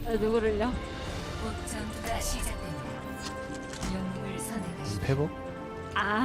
누구를요? 곧 전투가 시작됩니다. 영웅을 선택하십시오. 회복? 아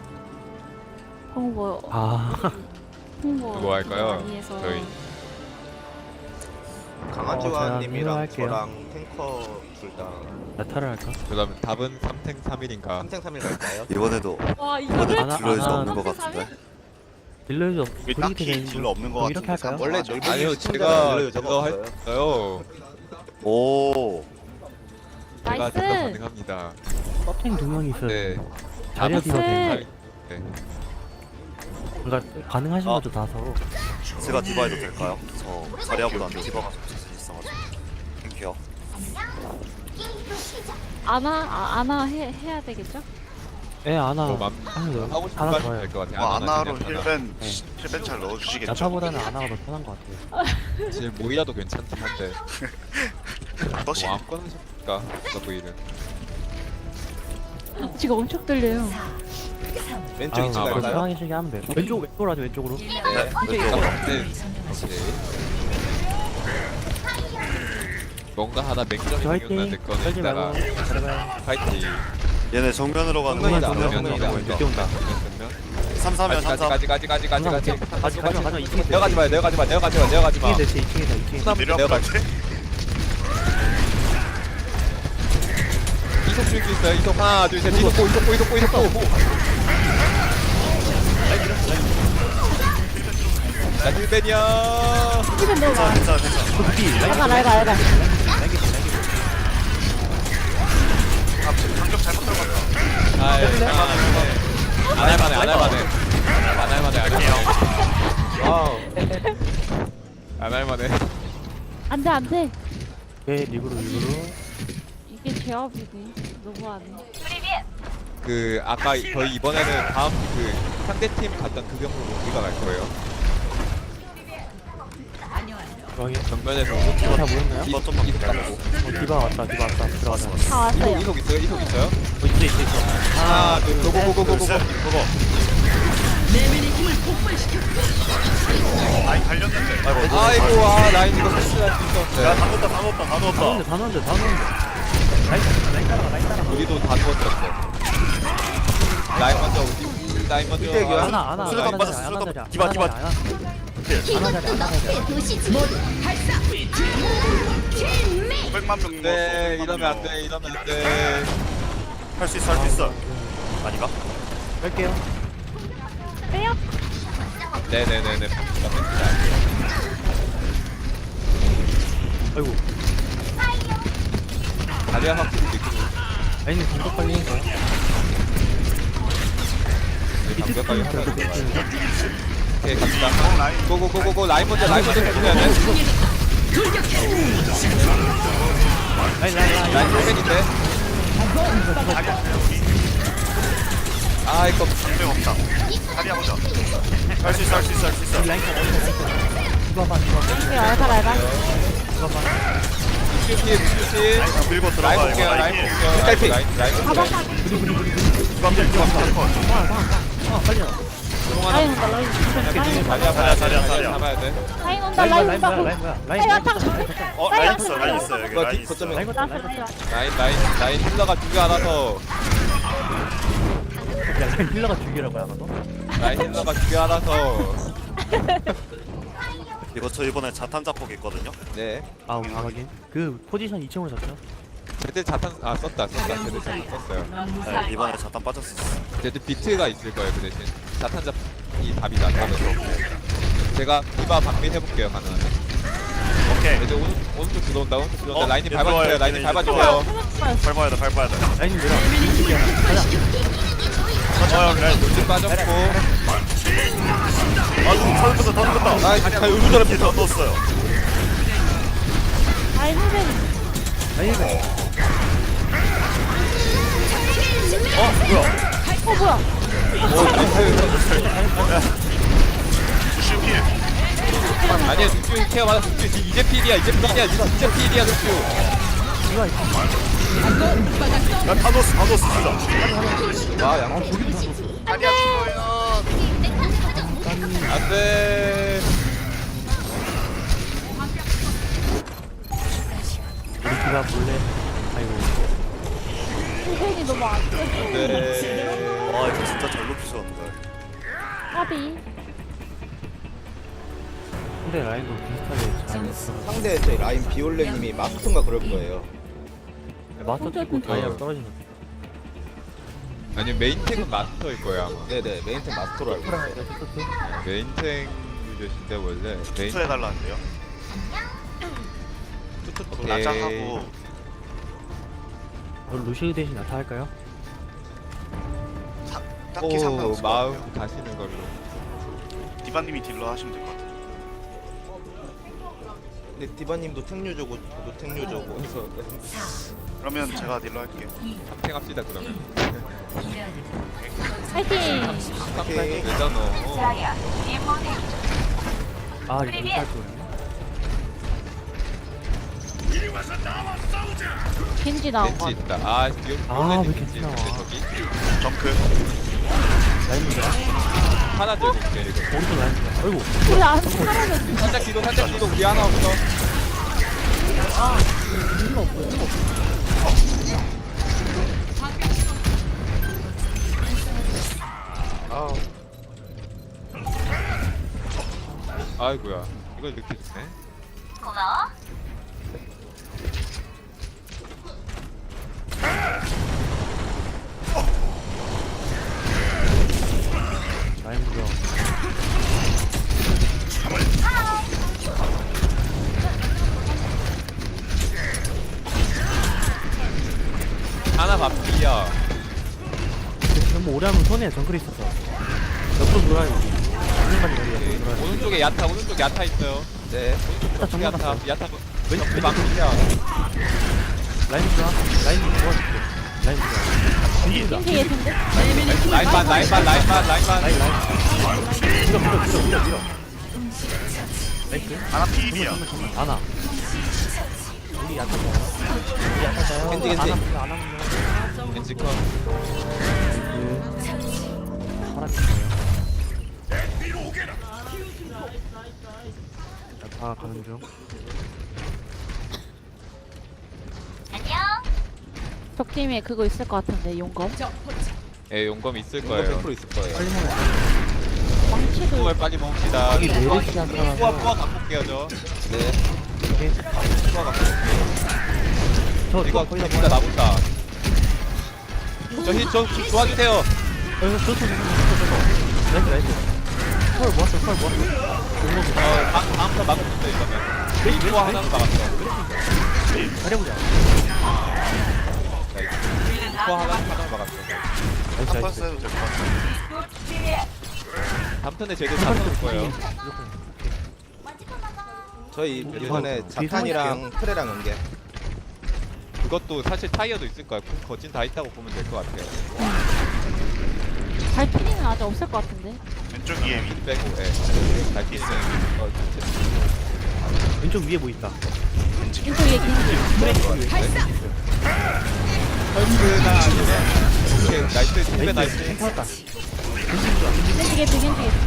홍보 홍보 누구 할까요? 많이 해서 저희. 강아지와님이랑 제가 할게요. 저랑 탱커 둘다 나타를 할까? 그다음 답은 3탱 3일인가? 3탱 3일 갈까요? 이번에도 와 이번에 이거를 안 딜러에서 안 없는 것 한 같은데. 딜러즈 여기 딱히 딜러 없는 것 이렇게 같은데. 할까요? 원래 넓은 아니요 시청자는 제가 원래 여자가 딜러 없어요. 했어요. 오, 제가 나이스. 딜러 가능합니다. 서핑 두 명이 있어요. 네. 자리야 나이스. 딜러 되는 네. 그러니까 가능하신 거죠 다 서로. 제가 디바해도 될까요? 저 자리아보다는 디바가 좀 자신 있어가지고. 땡큐요. 아나 해야 되겠죠? 예 아나 뭐 맘- 하는 거 하고 싶은 하나 거 좋아요. 하시면 될것 같아요. 아나로 하나. 힐벤 네. 힐벤 잘 넣어주시겠죠? 야타보다는 아나가 더 편한 것 같아요. 지금 모이라도 괜찮긴 한데 떠시 뭐 아무거나 하실까? 더브이는 지금 엄청 떨려요. 왼쪽 2층 아, 그럼 갈까요? 편하게 시게 하면 돼요. 왼쪽으로 하죠 왼쪽으로. 네, 왼쪽. 왼쪽. 네. 오케이. 뭔가 하나 맹점이 저 화이팅. 생겼는데 그거는 떨지 이따가 말고 잘해봐요. 파이팅. 얘네 정면으로 가는 정면이다, 거 정면이다. 늦게 온다. 3-3이야 3-3. 가지 가지 가지 2층에 내려가지 마 내려가지 마 내려가지 마 내려가지 마. 2층에 대체 2층에다 2층에. 내려갈게. 이속 줄수 있어요. 이속 하나 둘셋 이속 고. 나 힐벤이야. 이건 너무 많아. 괜찮아. 알가. 방금 잘못 들어갔다. 안 할만해. 와우. 안 할만해. 안돼. 네 리그로. 이게 제압이네. 너무하네. 그 아까 저희 이번에는 다음 그 상대팀 갔던 그 경우로 우리가 갈 거예요. 저기 정면에서 다 모였나요? 디바 좀만 이속 기다려. 잡고. 디바 왔다 들어가자. 다 왔어요. 이속 있어요? 있어. 하나 둘 고고고고고고. 아니 달렸는데. 아이고 라인 이거 패스할 수 있었는데. 야 다 넣었다. 다 넣었는데. 우리도 다 누웠었어. 라인 먼저 우리 라인 먼저. 하나 수류탄 빠졌어, 수류탄. 디바. 하나 자리. 500만 명 네 넣었어. 이러면 안 돼. 할 수 있어. 아닌가? 뺄게요. 빼요. 네네네네. 아이고. 다리야 확실히 느끼고. 아니 공격 빨리 해. 감격하게 하자. 오케이 갑시다. 고고고고고 라인 먼저 해줘야 돼. 라인 힐벤인데. 아 이거 방금 없다. 다리 해보자. 할 수 있어. 알가. 뮤시 밀고 라인 들어가 볼게요. 이거. 라인 볼게요. 라인 가봐. 라인 온다. 자리야 잡아야 돼. 라인 온다. 라인 온다. 라인 왔다. 라인 있어 여기 이거 라인 뒷 있어. 거점에 나이스. 라인 힐러가 두 개 알아서 힐러가 죽이라고 하거든. 라인 힐러가 두 개 알아서 이거 저 이번에 자탄 잡폭 있거든요. 네 아 확인. 그 포지션 2층으로 잡죠. 제들 자탄 썼다 제들 자탄 썼어요. 네, 이번에 자탄 빠졌어. 제들 비트가 있을 거예요 그 대신 자탄 잡이 답이다 답은. 제가 디바 방민 해볼게요 가능하면. 오케이. 이제 오른쪽 들어온다 어, 라인이 얘 밟아주세요 들어와요. 라인이 얘 밟아주세요. 밟아야 돼. 라인 밀어. 가자. 라인. 돌진 빠졌고 더 넣었다. 아 진짜 의무자를 더 넣었어요. 라인 힐벤. 라인 밀어. 뭐야? 주심 필. 아니야 룩주 케어 받았어 이제 필이야 루큐 야다 넣었어 진짜. 아 양쪽 다리야 죽어요. 안돼 누가 몰래 아이고 힐이 너무 안 돼. 네. 와 이거 진짜 잘 높이셨는데. 까비. 근데 라인도 비슷하게 잘 했어. 상대 제 라인 비올레님이 마스터인가 그럴 거예요. 마스터 찍고 다이아 떨어진 거 아니 메인탱은 마스터일 거야 아마. 네네 메인템 마스터로 알고 있어요. 메인탱 유저신데 원래 메인. 투투해달라는데요. 투투 라장하고 루시우 대신 나타 할까요? 딱히 오 상관없을 것 같아요. 마음 가시는 걸로. 디바님이 딜러 하시면 될 것 같아요. 근데 디바님도 탱류저고 저도 탱류저고 해서 그러면 제가 딜러 할게요. 탱합시다 그러면. 파이팅. 오케이. 되잖아. 아 이거 이탈 거예요. 겐지 나온 거 벤치 같아. 있다. 아 이거 아, 원래 왜 벤치 겐지 나와. 있는데 저기 정크. 라인 문제. 하나 들고 올게 이거. 오른쪽 라인 문제. 아이고 우리 안 사라졌어. 살짝 뒤로 우리 하나 없어. 아 아이고야 이걸 늦게 주네. 라인 문제. 하나 바삐야. 너무 오래 하면 손에 정글이 있었어. 옆으로 돌아야 돼. 한명만 머리 옆으로 돌아야 돼. 오른쪽에 야타 있어요. 네. 일단 정글 야타 갔어. 야타 왼쪽 왼쪽 왼쪽 방이야. 라인 좋아. 라인 도와줄게. 라인 좋아. 겐지다. 겐지 예쁜데? 라인반. 라인 밀어. 나이스. 아나 피입이야. 안아. 우리 약간 우리 약간 자요. 겐지. 안 하면 벤치 컷. 다 가는 중. 적팀에 그거 있을 것 같은데 용검. 예 용검 있을 이거 거예요. 100% 있을 거예요. 빨리 먹어. 망치도 뽕을 빨리 먹읍시다. 여기 메르시 한 사람. 뿌아 갖고 올게요 저. 네. 오케이. 뿌아 갖고 올게요. 이거 거의 다 진짜 나본다. 저 도와주세요. 좋소. 나이스. 헐 모았어. 다음부터 막아준다 이거면. 메인 뿌아 하나는 막았어. 잘해보자. 뿌아 하나는 막았어. 나이스. 탑버스 해도 될 것 같아요. 다음 턴에 제대로 잡을 거예요. 저희 이번에 자탄이랑 트레랑 연계. 그것도 사실 타이어도 있을 거야. 거진 다 있다고 보면 될 것 같아요. 발키리는 아직 없을 것 같은데. 왼쪽 위에 위. 빼고, 예. 달피는 왼쪽 위에 뭐 있다. 왼쪽 위에 겐지. 헐크나 아니면 오케이 나이스 팀배 나이스. 괜찮았다. 겐지 개피.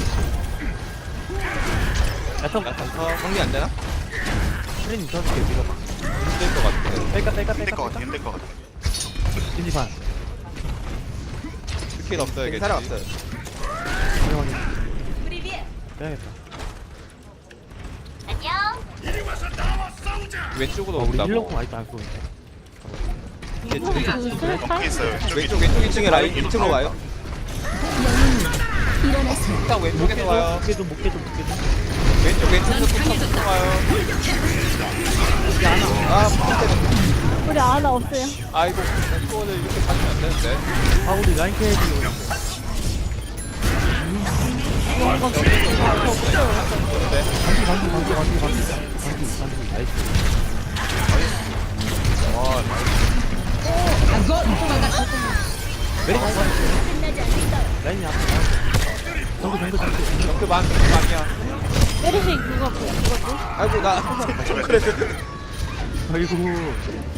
야tom 정리 안 되나? 트레이닝 쳐줄게. 밀어봐. 힘들 것 같아. 힘들 것 같아. 힘들 것 같아. 겐지 반. 스킬 없어야겠지. 사람 없어요. 확인. 빼야겠다. 왼쪽으로 우리 온다고. 힐러공 아직도 안 쏘는데. 그 슬타? 거기 있어요. 왼쪽 왼쪽 1층에 라인 1층으로 가요. 일단 왼쪽에서 와요. 못 깨도. 왼쪽에서 또 와요. 아 밑에 우리 아나 없어요. 아이고 이거를 이렇게 가면 안 되는데. 아 우리 라인 캐야지. 반기. 나이스. 메리 라인이 앞에. 정글. 정크방이야. 메르시 그거 그거지? 아이고 나 그래도 아이고.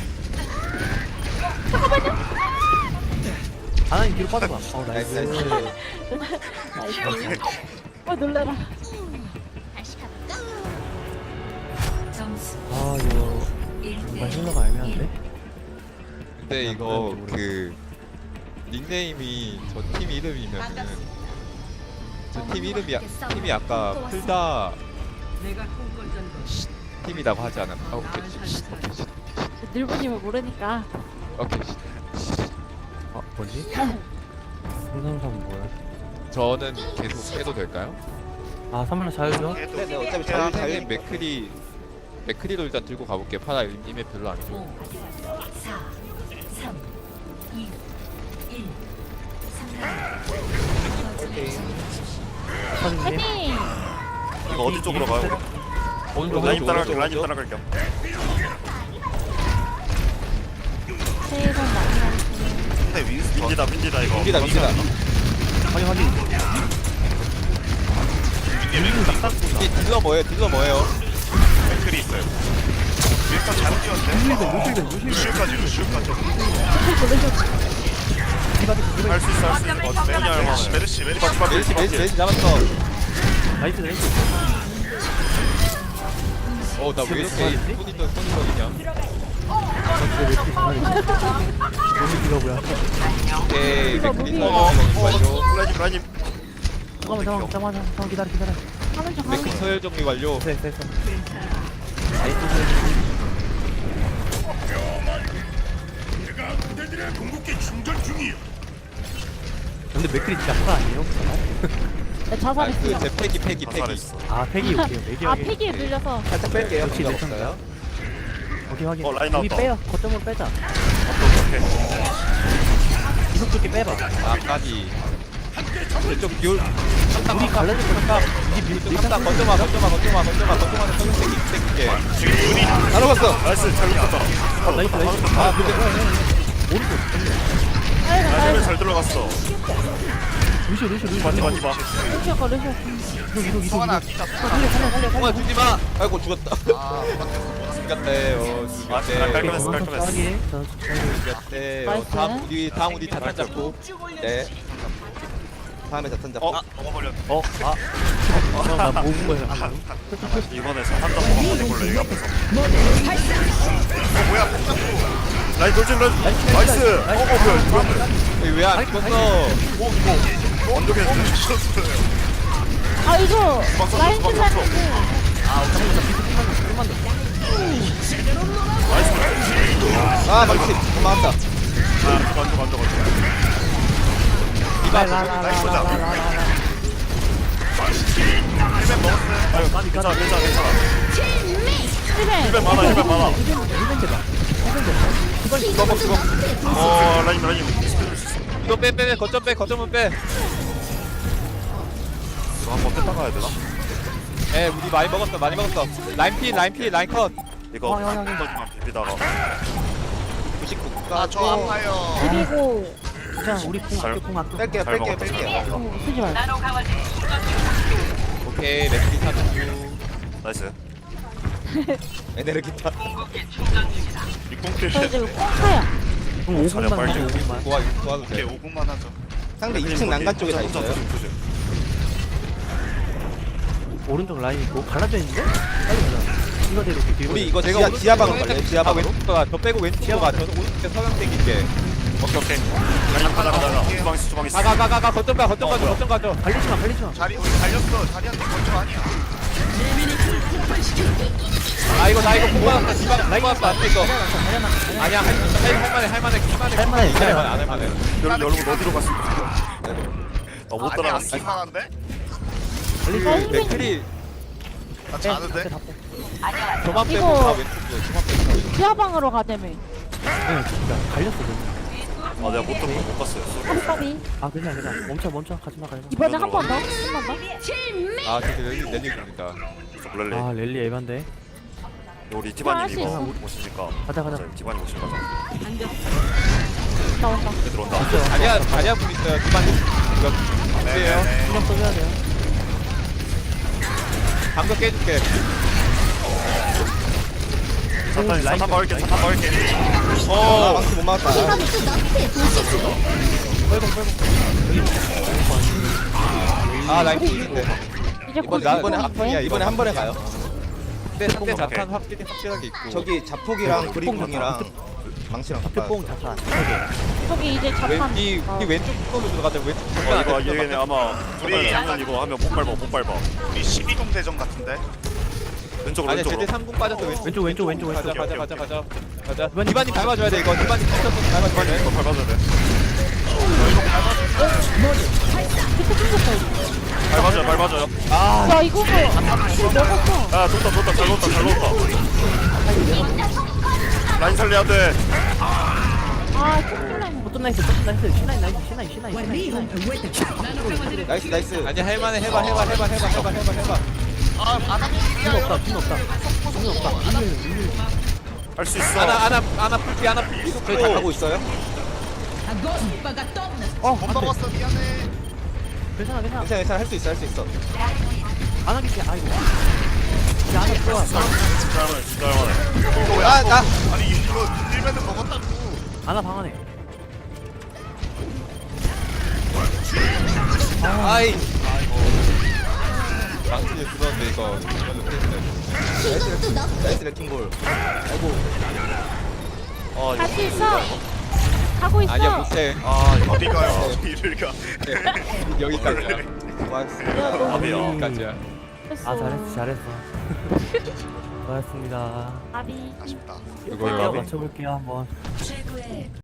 하나님 뒤로 빠져봐. 나이스 나이스. 나이스. 나이스. 놀래라. 점수 아 이거 1대 정말 힐러가 애매한데? 근데 이거 그 닉네임이 저 팀 이름이면은 저 팀 이름이 팀이 아까 풀다 팀이라고 하지 않았나? 아, 오케이 오케이 늘보님을 모르니까. 오케이. 아 뭐지? 생선삼 뭐야? 저는 계속 해도 될까요? 아 3만원 자유죠? 네네 어차피 형님 자유 맥크리도 일단 들고 가볼게요. 파라 임에 별로 안 좋아. 5, 4, 3, 2, 1. 3라운드. 사장님 파이팅! 이거 어디 쪽으로 가요? 오른쪽 라인 오른쪽 따라갈게요. 라인 따라갈게요. 새해 복 많이 받으세요. 근데 윈스턴 윈디다 이거. 민기다. 확인 확인 딜러 뭐예요? 맥클이 있어요. 윈스턴 잘 뛰었는데? 루시우까지. 할 수 있어. 어때? 메르시. 메시 잡았어. 나이스 나 왜 이렇게 손이 너무 길어 뭐야 오케이 맥크리 어, 서열 정리 완료. 잠깐만 기다려 하는 척 하는 맥크리 척. 서열 정리 완료. 됐어 근데 맥클이 진짜 파라 아니에요? 네, 자살했어요. 제 패기. 자살했어. 아 팩이 오케이 맥이 아, 팩이 눌려서. 살짝 뺄게요. 역시 필요 내성이다. 없어요. 오케이 확인 라인 우리 나왔다. 빼요 거점으로 빼자 오케이. 이속 좋게 빼봐 아까지. 좀 비올. 우리 갈라질 거니까 이제 깜짝 건져마. 땡길게. 다 녹았어. 나이스 잘 붙었다. 나이스 아 근데 라인을 잘 들어갔어. 루시오 맞지. 루시오 거, 루시오. 이속 살려. 정말 주지 마. 아이고 죽었다. 죽었대요. 깔끔했어. 죽었대요. 나이스. 다음 우리 자탄 잡고. 네. 다음에 자탄 잡고. 먹어버렸. 나 모은 거야 이번에 한번 해볼래 여기 앞에서. 뭐야? 라인 돌진 나이스. 뭐야 왜안 죽었어? 언덕에 아, 이거 라인 킬라는데. 아 망치. 고마웠다. 만져. 괜찮아. 힐맨. 힐벤 많아. 라인. 이거 빼. 거점은 빼. 이거 한번 뺐다 가야 되나? 에 우리 많이 먹었어. 라인 컷. 이거 한번만 비비다가 99. 저 아파요. 그리고, 그냥 우리 공 아껴 뺄게요. 잘 먹었다. 쓰지 말고. 오케이 맥크리 사주. 나이스. 에네르기타. 저 이제 꽁카야. 그럼 자력 5분만 빨리. 5분만 도와도 오케이 돼. 5분만 하죠. 상대 2층 난간 쪽에 다 있어요. 오른쪽 라인 있고 갈라져 있는데? 빨리 가자 이거 대로 뒤로 우리 이거 제가 지하방으로 갈래요? 지하방으로? 왼쪽 가. 저 빼고 왼쪽 가. 저는 오른쪽에 서강 땡길게. 오케이. 라인 가자. 주방 있어. 가. 거점 가죠. 갈리지마 자리 우리 달렸어. 자리한테 거점 아니야. 나 이거 뽑았어. 안 돼, 이거. 아니야, 할만해. 안 할만해. 여러분 어디로 갔어? 못 아니 따라갔어. 안 쓸만한데? 그 맥클이 나 자는데? 저만 빼고 이거- 다 왼쪽이요. 지하방으로 가자며. 네 진짜 갈렸어 너무 내가 못 갔어요. 깜빡이. 아 괜찮아 멈춰 가지마 이번에 한 번 더? 한 번 더? 아, 진짜 렐리입니다. 렐리. 아 랠리 에반데 우리 디바님 할수 이거 있어. 오시니까. 가자 디바님 오시니까. 나온다. 들어온다. 자리야 분 있어요. 두반님. 이거 주세요. 신경 써줘야 돼요 방금 깨줄게. 사탄 막을게. 아 망치 못 막았다. 아, 라인 피인데. 이제 곧 이번에 이번에 한 번에 가요. 상대 자탄 확실하게 있고. 저기 자폭이랑 브리공이랑 망치랑 특봉 바꿔. 자탄. 저기 이제 자판. 이 왼쪽 쪽으로 들어가자. 왼쪽 이거 얘네 아마 우리 장난 이거 하면 못 밟아. 우리 12동 대전 같은데. 왼쪽으로 아니야 제대 왼쪽으로. 3군 빠졌어 왼쪽. 가자. 디바님 밟아줘야 돼 이거. 디바님 밟아줘야 돼. 이거 밟아줘야 돼. 밟아줘요. 야 이거 뭐 먹었어. 아 좋다 잘 놓았다. 라인 살려야 돼. 아 콧물라인. 어떤 나이스 신나인 나이스. 아니 할만해 해봐. 돈 없다 할 수 있어. 아나 풀피 저희 다 가고 있어요? 못 먹었어 미안해. 괜찮아 괜찮아 할 수 있어. 안 하겠지 아이고 야 안에 들어와 진짜 할만해. 나 아니 이거 1배는 먹었다고. 안아 방 안에 아이 망치에 들어왔는데 이거 나이스 레킹볼. 할 수 있어. 하고 있어. 아니야 못해. 어디 가요? 이를 가. 여기까지야. 고맙습니다. 밥이야. 여기까지야. 아 잘했어 고맙습니다 아비. 아쉽다. 이거 맞춰볼게요 한번 최고의